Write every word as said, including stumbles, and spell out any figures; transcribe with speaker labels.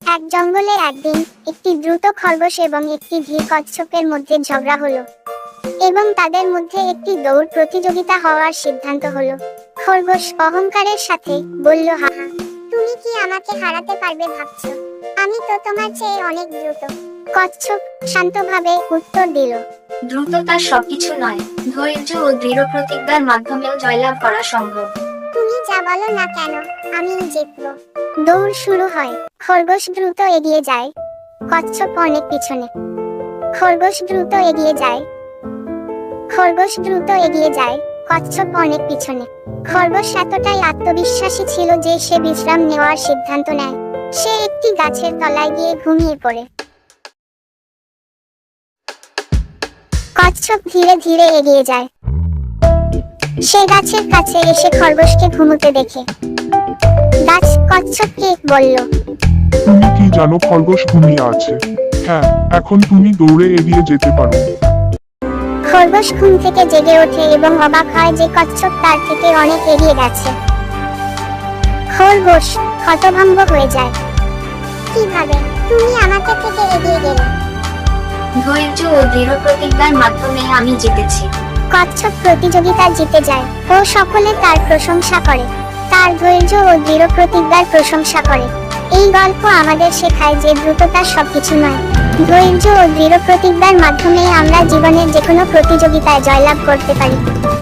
Speaker 1: এক জঙ্গলে একদিন একটি দ্রুত খরগোশ এবং একটি ধীর কচ্ছপের মধ্যে ঝগড়া হলো এবং তাদের মধ্যে একটি দৌড় প্রতিযোগিতা হওয়ার সিদ্ধান্ত হলো। খরগোশ অহংকারের সাথে বলল, হা হা, তুমি কি আমাকে হারাতে পারবে ভাবছো? আমি তো তোমার চেয়ে অনেক দ্রুত। কচ্ছপ শান্তভাবে উত্তর দিল,
Speaker 2: দ্রুততা সবকিছু নয়, ধৈর্য ও দৃঢ় প্রতিজ্ঞার মাধ্যমেও জয়লাভ করা সম্ভব।
Speaker 1: তুমি যা বলো না কেন, আমি জিতবো। দৌড় শুরু হয়। খরগোশ দ্রুত এগিয়ে যায়, কচ্ছপ অনেক পিছনে। খরগোশ দ্রুত এগিয়ে যায়, খরগোশ দ্রুত এগিয়ে যায়, কচ্ছপ অনেক পিছনে। খরগোশ এতটাই আত্মবিশ্বাসী ছিল যে সে বিশ্রাম নেওয়ার সিদ্ধান্ত নেয়। সে একটি গাছের তলায় গিয়ে ঘুমিয়ে পড়ে। কচ্ছপ ধীরে ধীরে এগিয়ে যায়। সে গাছের কাছে এসে খরগোশকে ঘুমোতে দেখে গাছ কচ্ছপকে বলল,
Speaker 3: তুমি কি জানো খরগোশ ঘুমিয়ে আছে? হ্যাঁ, এখন তুমি দৌড়ে এগিয়ে যেতে পারো।
Speaker 1: খরগোশ ঘুম থেকে জেগে ওঠে এবং অবাক হয় যে কচ্ছপ তার থেকে অনেক এগিয়ে গেছে। খরগোশ হতভম্ব হয়ে যায়। কিভাবে তুমি আমাকে থেকে এগিয়ে গেলে?
Speaker 2: ধৈর্য ও দৃঢ় প্রতিজ্ঞার মাধ্যমে আমি জিতেছি।
Speaker 1: কচ্ছপ প্রতিযোগিতা জিতে যায় ও সকলে তার প্রশংসা করে, তার ধৈর্য ও দৃঢ় প্রতিজ্ঞার প্রশংসা করে। এই গল্প আমাদের শেখায় যে দ্রুততা সবকিছু নয়, ধৈর্য ও দৃঢ় প্রতিজ্ঞার মাধ্যমে আমরা জীবনের যে কোনো প্রতিযোগিতায় জয়লাভ করতে পারি।